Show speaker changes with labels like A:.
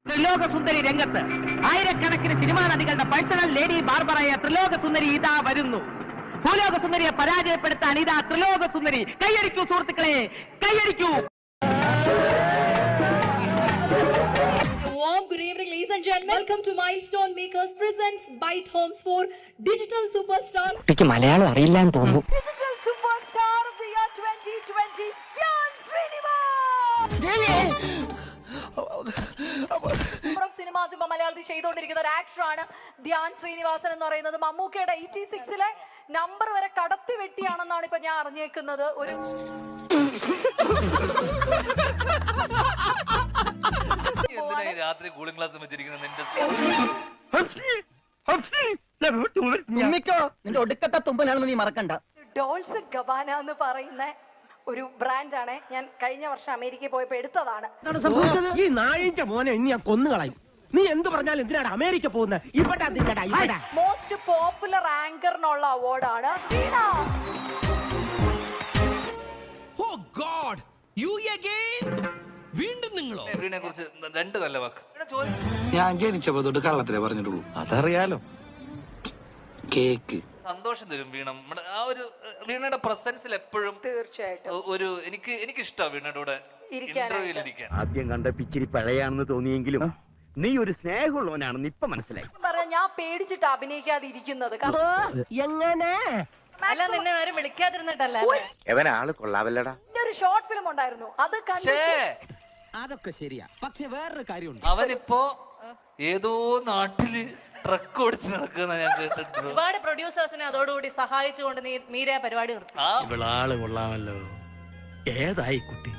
A: ത്രിലോക സുന്ദരി രംഗത്ത് ആയിരക്കണക്കിന് സിനിമാ നടികളുടെ പേഴ്സണൽ ലേഡി ബാർബറായ ത്രിലോക സുന്ദരി ഇതാ വരുന്നു. ഭൂലോക സുന്ദരിയെ പരാജയപ്പെടുത്താൻ ഇതാ ത്രിലോക സുന്ദരി. കൈയടിക്കൂ സുഹൃത്തുക്കളെ, കൈയടിക്കൂ.
B: Warm good evening, ladies and gentlemen. Welcome to Milestone Makers presents Byte Homes for Digital Superstar.
A: Malayalam അറിയില്ലാന്ന് തോന്നുന്നു.
B: Digital Superstar of the year 2020, Dhyan Srinivas. Cinemas ഇപ്പൊ മലയാളത്തിൽ ചെയ്തുകൊണ്ടിരിക്കുന്ന ഒരു ആക്ടറാണ് ധ്യാൻ ശ്രീനിവാസൻ എന്ന് പറയുന്നത്. മമ്മൂക്കയുടെ 86-ലെ നമ്പർ വരെ കടത്തി വെട്ടിയാണെന്നാണ് ഇപ്പൊ ഞാൻ അറിഞ്ഞേക്കുന്നത്. ഒരു
C: രാത്രി കൂളിംഗ് ഗ്ലാസ് വെച്ചിരിക്കുന്ന
A: നിന്റെ ഒടുക്കത്തെ തുമ്പലാണെന്ന് നീ മറക്കണ്ട.
B: ഡോൾസ് ഗബാന എന്ന് പറയുന്ന ഒരു ബ്രാൻഡാണ്. ഞാൻ കഴിഞ്ഞ വർഷം അമേരിക്കയിൽ പോയപ്പോ എടുത്തതാണ്.
D: ഈ നായിന്റെ മോനെ ഇനി ഞാൻ കൊന്നുകളയും. നീ എന്ത് പറഞ്ഞാലും എന്തിനാണ് അമേരിക്ക പോകുന്നത്? ഇവിടെ
B: മോസ്റ്റ് പോപ്പുലർ ആങ്കറിനുള്ള അവാർഡാണ്.
C: വീടിനെ കുറിച്ച് രണ്ട് നല്ല വാക്ക്
E: ഞാൻ ജനിച്ചപ്പോ തൊട്ട് കള്ളത്തിലേ പറഞ്ഞിട്ടുള്ളൂ. അതറിയാലോ. കേക്ക്
C: സന്തോഷം തരും വീണ. നമ്മുടെ ആ ഒരു വീണയുടെ പ്രസൻസിൽ എപ്പോഴും
B: തീർച്ചയായിട്ടും
C: ഒരു എനിക്ക് ഇഷ്ടമാണ് വീണയുടെ കൂടെ ഇന്റർവ്യൂവിൽ ഇരിക്കാൻ.
F: ആദ്യം കണ്ട പിച്ചിരി പഴയാണെന്ന് തോന്നിയെങ്കിലും നീ ഒരു സ്നേഹമുള്ളവനാണെന്ന് ഇപ്പൊ മനസ്സിലായി.
B: ഞാൻ പേടിച്ചിട്ട് അഭിനയിക്കാതെ ഇരിക്കുന്നത്.
D: എങ്ങനെ
B: അല്ല, നിന്നെ ആരും വിളിക്കാതിരുന്നിട്ടല്ല.
F: എവനാള് കൊള്ളാവല്ലടാ.
B: ഒരു ഷോർട്ട് ഫിലിം ഉണ്ടായിരുന്നു, അത്
D: അതൊക്കെ ശരിയാ. പക്ഷെ വേറൊരു കാര്യമുണ്ട്.
C: അവനിപ്പോ ഏതോ നാട്ടില് ട്രക്ക് ഓടിച്ച് നടക്കുന്ന ഞാൻ കേട്ടിട്ടുണ്ട്.
G: ഒരുപാട് പ്രൊഡ്യൂസേഴ്സിനെ അതോടുകൂടി സഹായിച്ചുകൊണ്ട് മീര പരിപാടി നിർത്തി.
F: ഇവളാള് കൊള്ളാമല്ലോ. ഏതായി കുട്ടി?